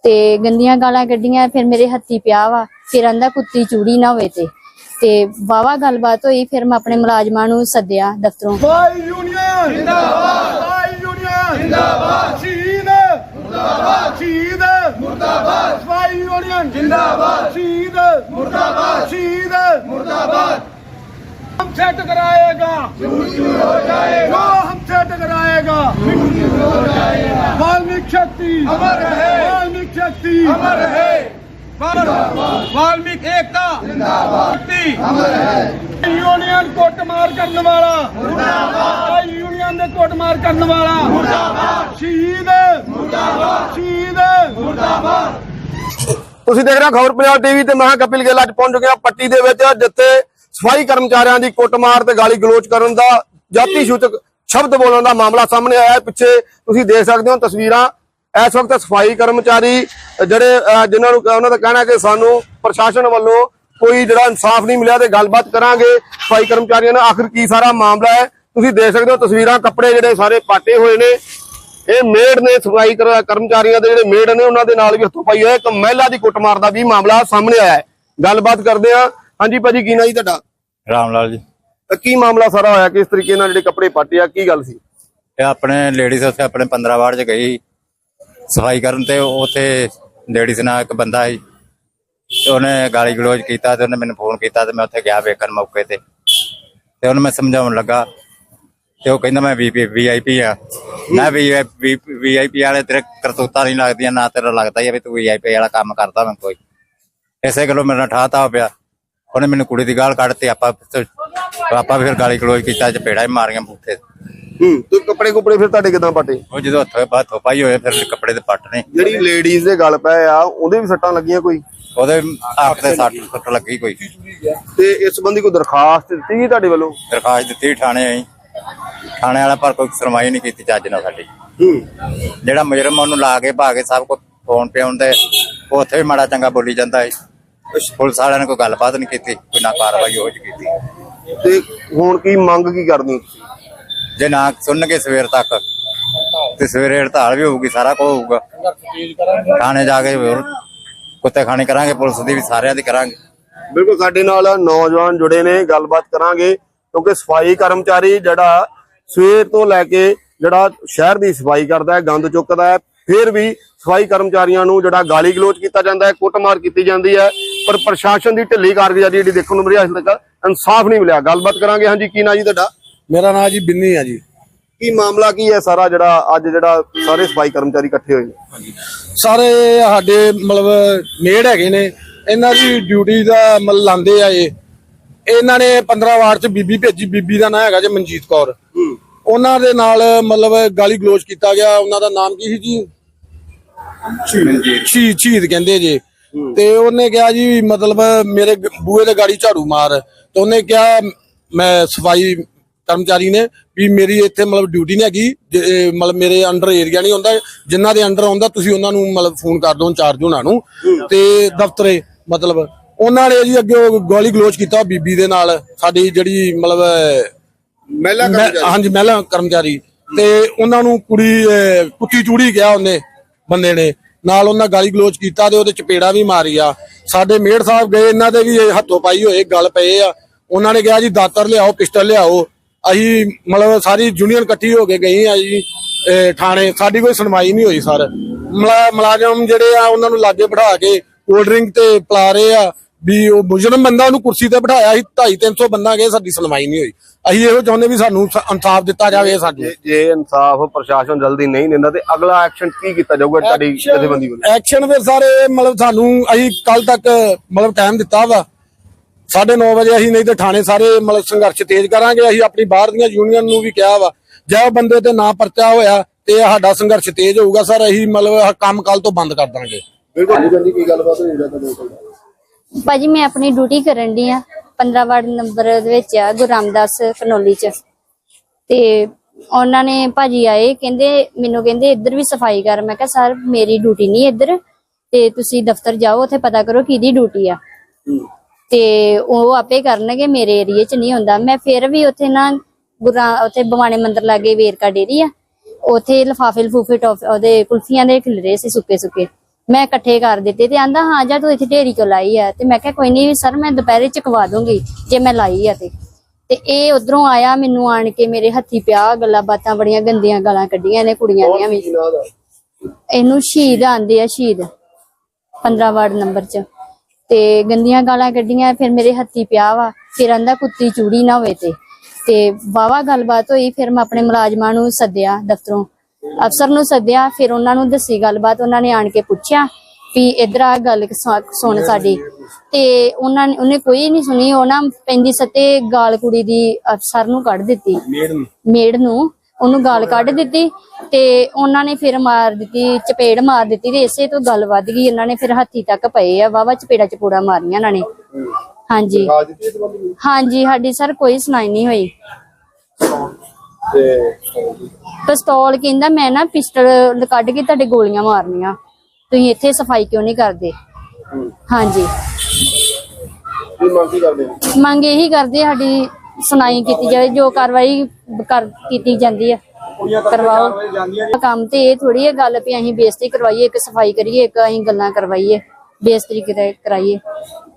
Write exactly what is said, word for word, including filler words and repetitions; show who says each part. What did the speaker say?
Speaker 1: ते गंदियां गालां कड्डियां। फिर मेरे हत्थी पिया वा, फिर आंदा कुत्ती चूड़ी ना होवे ते ते वावा गलबात होई। फिर मैं अपने मुलाजमां नूं सद्दिया दफ्तरों।
Speaker 2: सफाई यूनियन जिंदाबाद, सफाई यूनियन जिंदाबाद, शहीद मुर्दाबाद, शहीद मुर्दाबाद, सफाई यूनियन जिंदाबाद, शहीद मुर्दाबाद, शहीद मुर्दाबाद। हमसे टकराएगा हो जाएगा, हमसे टकराएगा हो जाएगा। वाल्मीकि शक्ति अमर है, वाल्मीकि शक्ति अमर है, वाल्मीकि एकता जिंदाबाद अमर है। यूनियन कुटमार करने वाला मुर्दाबाद, यूनियन ने कुटमार करने वाला मुर्दाबाद, शहीद मुर्दाबाद, शहीद मुर्दाबाद।
Speaker 3: ਤੁਸੀਂ ਦੇਖ ਰਹੇ ਹੋ ਖਬਰ ਪੰਜਾਬ ਟੀਵੀ ਤੇ ਮੈਂ ਕਪਿਲ ਗਿੱਲ। ਅੱਜ ਪਹੁੰਚ ਚੁੱਕੇ ਹਾਂ ਪੱਟੀ ਦੇ ਵਿੱਚ, ਜਿੱਥੇ ਸਫਾਈ ਕਰਮਚਾਰੀਆਂ ਦੀ ਕੁੱਟਮਾਰ ਤੇ ਗਾਲੀ ਗਲੋਚ ਕਰਨ ਦਾ ਜਾਤੀ ਸੂਚਕ ਸ਼ਬਦ ਬੋਲਣ ਦਾ ਮਾਮਲਾ ਸਾਹਮਣੇ ਆਇਆ ਹੈ। ਪਿੱਛੇ ਤੁਸੀਂ ਦੇਖ ਸਕਦੇ ਹੋ ਤਸਵੀਰਾਂ। ਇਸ ਵਕਤ ਸਫਾਈ ਕਰਮਚਾਰੀ ਜਿਹੜੇ ਜਿਨ੍ਹਾਂ ਨੂੰ ਉਹਨਾਂ ਦਾ ਕਹਿਣਾ ਕਿ ਸਾਨੂੰ ਪ੍ਰਸ਼ਾਸਨ ਵੱਲੋਂ ਕੋਈ ਜਿਹੜਾ ਇਨਸਾਫ ਨਹੀਂ ਮਿਲਿਆ ਤੇ ਗੱਲਬਾਤ ਕਰਾਂਗੇ ਸਫਾਈ ਕਰਮਚਾਰੀਆਂ ਨਾਲ ਆਖਿਰ ਕੀ ਸਾਰਾ ਮਾਮਲਾ ਹੈ। ਤੁਸੀਂ ਦੇਖ ਸਕਦੇ ਹੋ ਤਸਵੀਰਾਂ, ਕੱਪੜੇ ਜਿਹੜੇ ਸਾਰੇ ਪਾਟੇ ਹੋਏ ਨੇ। ਇਹ ਮੇੜ ਨੇ ਸਫਾਈ ਕਰਮਚਾਰੀਆਂ ਦੇ ਜਿਹੜੇ ਮੇੜ ਨੇ ਉਹਨਾਂ ਦੇ ਨਾਲ ਵੀ ਹੱਥੋਂ ਪਾਈ ਹੋਇਆ। ਇੱਕ ਮਹਿਲਾ ਦੀ ਕੁੱਟਮਾਰ ਦਾ ਵੀ ਮਾਮਲਾ ਸਾਹਮਣੇ ਆਇਆ ਹੈ। ਗੱਲਬਾਤ ਕਰਦੇ ਹਾਂ। ਹਾਂਜੀ ਭਾਜੀ, ਕੀ ਨਾਂ ਜੀ ਤੁਹਾਡਾ?
Speaker 4: ਰਾਮ ਲਾਲ ਜੀ।
Speaker 3: ਕੀ ਮਾਮਲਾ ਸਾਰਾ ਹੋਇਆ? ਕਿਸ ਤਰੀਕੇ ਨਾਲ ਜਿਹੜੇ ਕੱਪੜੇ ਪਾਟੇ ਆ, ਕੀ ਗੱਲ ਸੀ?
Speaker 4: ਇਹ ਆਪਣੇ ਲੇਡੀਜ਼ ਉੱਥੇ ਆਪਣੇ ਪੰਦਰਾਂ ਵਾਰਡ ਚ ਗਈ ਸਫਾਈ ਕਰਨ ਤੇ ਉੱਥੇ ਲੇਡੀਜ਼ ਨਾਲ ਇੱਕ ਬੰਦਾ ਸੀ ਤੇ ਉਹਨੇ ਗਾਲੀ ਗਲੋਚ ਕੀਤਾ ਤੇ ਉਹਨੇ ਮੈਨੂੰ ਫੋਨ ਕੀਤਾ ਤੇ ਮੈਂ ਉੱਥੇ ਗਿਆ ਵੇਖਣ ਮੌਕੇ ਤੇ ਤੇ ਉਹਨੂੰ ਮੈਂ ਸਮਝਾਉਣ ਲੱਗਾ ਤੇ ਉਹ ਕਹਿੰਦਾ ਮੈਂ ਵੀ ਆਈ ਪੀ ਆ। ਮੈਂ ਵੀ ਆਈ ਪੀ ਵਾਲੇ ਤੇਰੇ ਕਰਤੂਤਾਂ ਨਹੀਂ ਲੱਗਦੀਆਂ, ਨਾ ਤੇਰਾ ਲੱਗਦਾ ਹੀ ਆ ਵੀ ਤੂੰ ਵੀ ਆਈ ਪੀ ਵਾਲਾ ਕੰਮ ਕਰਦਾ। ਮੈਂ ਕੋਈ ਇਸੇ ਗੱਲੋਂ ਮੇਰੇ ਨਾਲ ਠਾਤਾ ਪਿਆ। ਉਹਨੇ ਮੈਨੂੰ ਕੁੜੀ ਦੀ ਗਾਲ ਕੱਢਤੀ। ਆਪਾਂ ਆਪਾਂ ਫਿਰ ਗਾਲੀ ਗਲੋਚ ਕੀਤਾ, ਚਪੇੜਾ ਹੀ ਮਾਰੀਆਂ ਬੂਥੇ।
Speaker 3: ਹੂੰ ਤੇ ਕੱਪੜੇ ਕੁਪੜੇ ਫਿਰ ਤੁਹਾਡੇ ਕਿਦਾਂ ਪਾਟੇ?
Speaker 4: ਉਹ ਜਦੋਂ ਹੱਥੋਂ ਬਾਅਦ ਥੋਪਾਈ ਹੋਏ ਫਿਰ ਕੱਪੜੇ ਦੇ ਪੱਟ ਨੇ।
Speaker 3: ਜਿਹੜੀ ਲੇਡੀਜ਼ ਦੇ ਗਲ ਪਏ ਆ ਉਹਦੇ ਵੀ ਸੱਟਾਂ ਲੱਗੀਆਂ ਕੋਈ?
Speaker 4: ਉਹਦੇ ਅੱਖ ਤੇ ਸੱਟ ਸੱਟ ਲੱਗੀ ਕੋਈ।
Speaker 3: ਤੇ ਇਸ ਸੰਬੰਧੀ ਕੋਈ ਦਰਖਾਸਤ ਦਿੱਤੀ ਗਈ ਤੁਹਾਡੇ ਵੱਲੋਂ?
Speaker 4: ਦਰਖਾਸਤ ਦਿੱਤੀ ਥਾਣੇ ਆਈ, ਥਾਣੇ ਵਾਲਾ ਪਰ ਕੋਈ ਸੁਣਵਾਈ ਨਹੀਂ ਕੀਤੀ ਚੱਜ ਨਾਲ ਸਾਡੀ।
Speaker 3: ਹੂੰ
Speaker 4: ਜਿਹੜਾ ਮੁਜਰਮ ਉਹਨੂੰ ਲਾ ਕੇ ਭਾ ਕੇ ਸਭ ਕੁਝ ਫੋਨ ਪੇ ਆਉਂਦੇ ਉੱਥੇ ਵੀ ਮਾੜਾ ਚੰਗਾ ਬੋਲੀ ਜਾਂਦਾ ਹੈ। ਪੁਲਿਸ ਵਾਲਿਆਂ ਨੇ ਕੋਈ ਗੱਲਬਾਤ ਨਹੀਂ ਕੀਤੀ, ਕੋਈ ਨਾ ਕਾਰਵਾਈ ਹੋ ਕੀਤੀ।
Speaker 3: ਤੇ ਹੁਣ ਕੀ ਮੰਗ ਕੀ ਕਰਦੇ ਹੋ?
Speaker 4: ਜੇ ਨਾ ਸੁਣਨਗੇ ਸਵੇਰ ਤੱਕ ਤੇ ਸਵੇਰੇ ਹੜਤਾਲ ਵੀ ਹੋਊਗੀ, ਸਾਰਾ ਕੁਝ ਹੋਊਗਾ। ਥਾਣੇ ਜਾ ਕੇ ਹੋਰ ਕੁੱਤੇ ਖਾਣੇ ਕਰਾਂਗੇ, ਪੁਲਿਸ ਦੀ ਵੀ ਸਾਰਿਆਂ ਦੀ ਕਰਾਂਗੇ।
Speaker 3: ਬਿਲਕੁਲ, ਸਾਡੇ ਨਾਲ ਨੌਜਵਾਨ ਜੁੜੇ ਨੇ, ਗੱਲਬਾਤ ਕਰਾਂਗੇ। ਕਿਉਂਕਿ ਸਫਾਈ ਕਰਮਚਾਰੀ ਜਿਹੜਾ ਸਵੇਰ ਤੋਂ ਲੈ ਕੇ ਜਿਹੜਾ ਸ਼ਹਿਰ ਦੀ ਸਫਾਈ ਕਰਦਾ ਹੈ, ਗੰਦ ਚੁੱਕਦਾ ਹੈ, ਫਿਰ ਵੀ ਸਫਾਈ ਕਰਮਚਾਰੀਆਂ ਨੂੰ ਜਿਹੜਾ ਗਾਲੀ ਗਲੋਚ ਕੀਤਾ ਜਾਂਦਾ ਹੈ, ਕੁੱਟਮਾਰ ਕੀਤੀ ਜਾਂਦੀ ਹੈ। ਪਰ ਪ੍ਰਸ਼ਾਸਨ ਦੀ ਢਿੱਲੀ ਕਾਰਗੁਜ਼ਾਰੀ ਜਿਹੜੀ ਦੇਖਣ ਨੂੰ ਮਿਲੀ, ਅਜੇ ਤੱਕ ਇਨਸਾਫ ਨਹੀਂ ਮਿਲਿਆ। ਗੱਲਬਾਤ ਕਰਾਂਗੇ। ਹਾਂਜੀ, ਕੀ ਨਾਂ ਜੀ ਤੁਹਾਡਾ?
Speaker 5: ਮੇਰਾ ਨਾਂ ਜੀ ਬਿੰਨੀ ਹੈ ਜੀ।
Speaker 3: ਕੀ ਮਾਮਲਾ ਕੀ ਹੈ ਸਾਰਾ ਜਿਹੜਾ ਅੱਜ ਜਿਹੜਾ ਸਾਰੇ ਸਫਾਈ ਕਰਮਚਾਰੀ ਇਕੱਠੇ ਹੋਏ ਨੇ?
Speaker 5: ਸਾਰੇ ਸਾਡੇ ਮਤਲਬ ਮੇੜ ਹੈਗੇ ਨੇ, ਇਹਨਾਂ ਦੀ ਡਿਊਟੀ ਦਾ ਮਤਲਬ ਲਾਉਂਦੇ ਆ। ਇਹ ਇਹਨਾਂ ਨੇ ਪੰਦਰਾਂ ਵਾਰਡ ਚ ਬੀਬੀ ਭੇਜੀ। ਬੀਬੀ ਦਾ ਨਾਂ ਹੈਗਾ ਜੀ ਮਨਜੀਤ ਕੌਰ। ਉਹਨਾਂ ਦੇ ਨਾਲ ਮਤਲਬ ਗਾਲੀ ਗਲੋਚ ਕੀਤਾ ਗਿਆ। ਉਹਨਾਂ ਦਾ ਨਾਮ ਕੀ ਸੀ ਜੀ? ਸ਼ਹੀਦ ਸ਼ਹੀਦ ਕਹਿੰਦੇ ਜੀ। ਤੇ ਉਹਨੇ ਕਿਹਾ ਜੀ ਮਤਲਬ ਮੇਰੇ ਬੂਹੇ ਤੇ ਗਾੜੀ ਝਾੜੂ ਮਾਰ। ਤੇ ਉਹਨੇ ਕਿਹਾ ਮੈਂ ਸਫਾਈ ਕਰਮਚਾਰੀ ਨੇ ਵੀ ਮੇਰੀ ਇੱਥੇ ਮਤਲਬ ਡਿਊਟੀ ਨਹੀਂ ਹੈਗੀ, ਮਤਲਬ ਮੇਰੇ ਅੰਡਰ ਏਰੀਆ ਨਹੀਂ ਹੁੰਦਾ, ਜਿਨ੍ਹਾਂ ਦੇ ਅੰਡਰ ਆਉਂਦਾ ਤੁਸੀਂ ਉਹਨਾਂ ਨੂੰ ਮਤਲਬ ਫੋਨ ਕਰ ਦਿਓ ਇੰਚਾਰਜ ਉਹਨਾਂ ਨੂੰ ਤੇ ਦਫ਼ਤਰੇ। ਮਤਲਬ ਉਹਨਾਂ ਨੇ ਜੀ ਅੱਗੇ ਗਾਲੀ ਗਲੋਚ ਕੀਤਾ ਬੀਬੀ ਦੇ ਨਾਲ, ਸਾਡੀ ਜਿਹੜੀ ਮਤਲਬ
Speaker 3: ਮਹਿਲਾ
Speaker 5: ਹਾਂਜੀ ਮਹਿਲਾ ਕਰਮਚਾਰੀ। ਤੇ ਉਹਨਾਂ ਨੂੰ ਕੁੜੀ ਕੁੱਤੀ ਚੂੜੀ ਕਿਹਾ ਉਹਨੇ ਬੰਦੇ ਨੇ, ਨਾਲ ਉਹਨਾਂ ਗਾਲੀ ਗਲੋਚ ਕੀਤਾ ਤੇ ਉਹਦੇ ਚਪੇੜਾ ਵੀ ਮਾਰੀ ਆ। ਸਾਡੇ ਮੇੜ ਸਾਹਿਬ ਗਏ, ਇਹਨਾਂ ਦੇ ਵੀ ਹੱਥੋਂ ਪਾਈ ਹੋਏ ਗਲ ਪਏ ਆ। ਉਹਨਾਂ ਨੇ ਕਿਹਾ ਜੀ ਦਾਤਰ ਲਿਆਓ, ਪਿਸਟਲ ਲਿਆਓ। ਅਸੀਂ ਮਤਲਬ ਸਾਰੀ ਯੂਨੀਅਨ ਇਕੱਠੀ ਹੋ ਕੇ ਗਈ ਆ ਜੀ ਥਾਣੇ। ਸਾਡੀ ਕੋਈ ਸੁਣਵਾਈ ਨਹੀਂ ਹੋਈ ਸਰ। ਮੁਲਾਜ਼ਮ ਜਿਹੜੇ ਆ ਉਹਨਾਂ ਨੂੰ ਲਾਗੇ ਬਿਠਾ ਕੇ ਕੋਲਡ ਡਰਿੰਕ ਤੇ ਪਿਲਾ ਰਹੇ ਆ ਵੀ ਉਹ ਮੁਜਰਮ ਬੰਦਾ ਉਹਨੂੰ ਕੁਰਸੀ ਤੇ ਬਿਠਾਇਆ ਸੀ। ਢਾਈ ਤਿੰਨ ਸੌ ਬੰਦਾ ਗਏ, ਸਾਡੀ ਸੁਣਵਾਈ ਨਹੀਂ ਹੋਈ। ਅਸੀਂ ਇਹੋ ਚਾਹੁੰਦੇ ਵੀ ਸਾਨੂੰ ਇਨਸਾਫ ਦਿੱਤਾ ਜਾਵੇ। ਸਾਨੂੰ
Speaker 3: ਜੇ ਇਨਸਾਫ ਪ੍ਰਸ਼ਾਸਨ ਜਲਦੀ ਨਹੀਂ ਦਿੰਦਾ ਤੇ ਅਗਲਾ ਐਕਸ਼ਨ ਕੀ ਕੀਤਾ ਜਾਊਗਾ ਤੁਹਾਡੀ ਜਥੇਬੰਦੀ ਵੱਲੋਂ?
Speaker 5: ਐਕਸ਼ਨ ਫਿਰ ਸਾਰੇ ਮਤਲਬ ਸਾਨੂੰ ਅਸੀਂ ਕੱਲ ਤੱਕ ਮਤਲਬ ਟਾਈਮ ਦਿੱਤਾ ਵਾ ਸਾਢੇ ਨੌ ਵਜੇ। ਅਸੀਂ ਨਹੀਂ ਤੇ ਥਾਣੇ ਸਾਰੇ ਮਤਲਬ ਸੰਘਰਸ਼ ਤੇਜ਼ ਕਰਾਂਗੇ। ਅਸੀਂ ਆਪਣੀ ਬਾਹਰ ਦੀਆਂ ਯੂਨੀਅਨ ਨੂੰ ਵੀ ਕਿਹਾ ਵਾ ਜੇ ਬੰਦੇ ਤੇ ਨਾ ਪਰਚਾ ਹੋਇਆ ਤੇ ਸਾਡਾ ਸੰਘਰਸ਼ ਤੇਜ਼ ਹੋਊਗਾ ਸਰ। ਅਸੀਂ ਮਤਲਬ ਕੰਮ ਕੱਲ ਤੋਂ ਬੰਦ ਕਰ ਦਾਂਗੇ।
Speaker 3: ਬਿਲਕੁਲ। ਕੀ ਗੱਲਬਾਤ ਹੋਈ ਤੁਹਾਡੇ?
Speaker 1: ਭਾਜੀ ਮੈਂ ਆਪਣੀ ਡਿਊਟੀ ਕਰਨ ਦੀ ਆ ਪੰਦਰਾਂ ਵਾਰਡ ਨੰਬਰ ਦੇ ਵਿੱਚ ਆ, ਗੁਰੂ ਰਾਮਦਾਸ ਕਨੋਲੀ ਚ। ਤੇ ਉਹਨਾਂ ਨੇ ਭਾਜੀ ਆਏ, ਕਹਿੰਦੇ ਮੈਨੂੰ ਕਹਿੰਦੇ ਇੱਧਰ ਵੀ ਸਫਾਈ ਕਰ। ਮੈਂ ਕਿਹਾ ਸਰ ਮੇਰੀ ਡਿਊਟੀ ਨਹੀਂ ਇੱਧਰ, ਤੇ ਤੁਸੀਂ ਦਫ਼ਤਰ ਜਾਓ, ਉੱਥੇ ਪਤਾ ਕਰੋ ਕਿਹਦੀ ਡਿਊਟੀ ਆ ਤੇ ਉਹ ਆਪੇ ਕਰਨਗੇ, ਮੇਰੇ ਏਰੀਏ ਚ ਨਹੀਂ ਹੁੰਦਾ। ਮੈਂ ਫਿਰ ਵੀ ਉੱਥੇ ਨਾ ਗੁਰਾਂ ਉੱਥੇ ਭਵਾਨੀ ਮੰਦਿਰ ਲਾਗੇ ਵੇਰਕਾ ਡੇਰੀ ਆ, ਉੱਥੇ ਲਿਫਾਫੇ ਲਫੂਫੇ ਟੋਫ ਉਹਦੇ ਕੁਲਫੀਆਂ ਦੇ ਖਿਲਰੇ ਸੀ ਸੁੱਕੇ ਸੁੱਕੇ। ਮੈਂ ਇਕੱਠੇ ਕਰ ਦਿੱਤੇ ਤੇ ਆਂਦਾ ਹਾਂ ਜਾ ਤੂੰ ਇੱਥੇ ਢੇਰੀ ਕਿਉਂ ਲਾਈ ਆ ਤੇ ਮੈਂ ਕਿਹਾ ਕੋਈ ਨਹੀਂ ਸਰ ਮੈਂ ਦੁਪਹਿਰੇ ਚਕਵਾ ਦੂੰਗੀ ਜੇ ਮੈਂ ਲਾਈ ਆ ਤੇ ਤੇ ਇਹ ਉਧਰੋਂ ਆਇਆ ਮੈਨੂੰ ਆਣ ਕੇ ਮੇਰੇ ਹੱਥੀ ਪਿਆ ਗੱਲਾਂ ਬਾਤਾਂ ਬੜੀਆਂ ਗੰਦੀਆਂ ਗਾਲਾਂ ਕੱਢੀਆਂ ਨੇ ਕੁੜੀਆਂ ਦੀਆਂ ਵੀ। ਇਹਨੂੰ ਸ਼ਹੀਦ ਆਂਦੇ ਆ ਸ਼ਹੀਦ ਪੰਦਰਾਂ ਵਾਰਡ ਨੰਬਰ ਚ ਤੇ ਗੰਦੀਆਂ ਗਾਲਾਂ ਕੱਢੀਆਂ ਫਿਰ ਮੇਰੇ ਹੱਥੀ ਪਿਆ ਵਾ ਫਿਰ ਆਂਦਾ ਕੁੱਤੀ ਚੂੜੀ ਨਾ ਹੋਵੇ ਤੇ ਤੇ ਵਾਵਾ ਗੱਲਬਾਤ ਹੋਈ। ਫਿਰ ਮੈਂ ਆਪਣੇ ਮੁਲਾਜ਼ਮਾਂ ਨੂੰ ਸੱਦਿਆ ਦਫ਼ਤਰੋਂ ਅਫਸਰ ਨੂੰ ਸੱਦਿਆ ਫਿਰ ਉਹਨਾਂ ਨੂੰ ਦੱਸੀ ਗੱਲਬਾਤ। ਉਹਨਾਂ ਨੇ ਆਣ ਕੇ ਪੁੱਛਿਆ ਵੀ ਇਧਰ ਆ ਗੱਲ ਸੁਣ ਸਾਡੀ ਤੇ ਉਹਨਾਂ ਨੇ ਉਹਨੇ ਕੋਈ ਨਹੀਂ ਸੁਣੀ। ਉਹ ਨਾ ਪੈਂਦੀ ਸੱਤੇ ਗਾਲ ਕੁੜੀ ਦੀ ਅਫਸਰ ਨੂੰ ਕੱਢ ਦਿੱਤੀ ਮੇੜ ਨੂੰ ਉਹਨੂੰ ਗਾਲ ਕੱਢ ਦਿੱਤੀ ਤੇ ਉਹਨਾਂ ਨੇ ਫਿਰ ਮਾਰ ਦਿੱਤੀ ਚਪੇੜ ਮਾਰ ਦਿੱਤੀ ਤੇ ਇਸੇ ਤੋਂ ਗੱਲ ਵੱਧ ਗਈ। ਉਹਨਾਂ ਨੇ ਫਿਰ ਹੱਥੀ ਤੱਕ ਪਏ ਆ ਵਾਵਾ ਚਪੇੜਾ ਚਪੂੜਾ ਮਾਰੀਆਂ ਉਹਨਾਂ ਨੇ। ਹਾਂਜੀ ਹਾਂਜੀ ਸਾਡੀ ਸਰ ਕੋਈ ਸੁਣਾਈ ਨਹੀਂ ਹੋਈ। ਪਿਸਤੌਲ ਕਹਿੰਦਾ ਮੈਂ ਨਾ ਪਿਸਟਲ ਕੱਢ ਕੇ ਤੁਹਾਡੇ ਗੋਲੀਆਂ ਮਾਰਨੀਆਂ ਤੁਸੀਂ ਇੱਥੇ ਸਫਾਈ ਕਿਉਂ ਨਹੀਂ ਕਰਦੇ। ਹਾਂਜੀ ਮੰਗ ਇਹੀ ਕਰਦੇ ਸਾਡੀ ਸੁਣਾਈ ਕੀਤੀ ਜਾਵੇ ਜੋ ਕਾਰਵਾਈ ਕਰ ਕੀਤੀ ਜਾਂਦੀ ਹੈ ਕਰਵਾਓ। ਕੰਮ ਤੇ ਇਹ ਥੋੜੀ ਹੈ ਗੱਲ ਵੀ ਅਸੀਂ ਬੇਇੱਜ਼ਤੀ ਕਰਵਾਈਏ ਇੱਕ ਸਫਾਈ ਕਰੀਏ ਇੱਕ ਅਸੀਂ ਗੱਲਾਂ ਕਰਵਾਈਏ ਬੇਇੱਜ਼ਤੀ ਕਰਾਈਏ।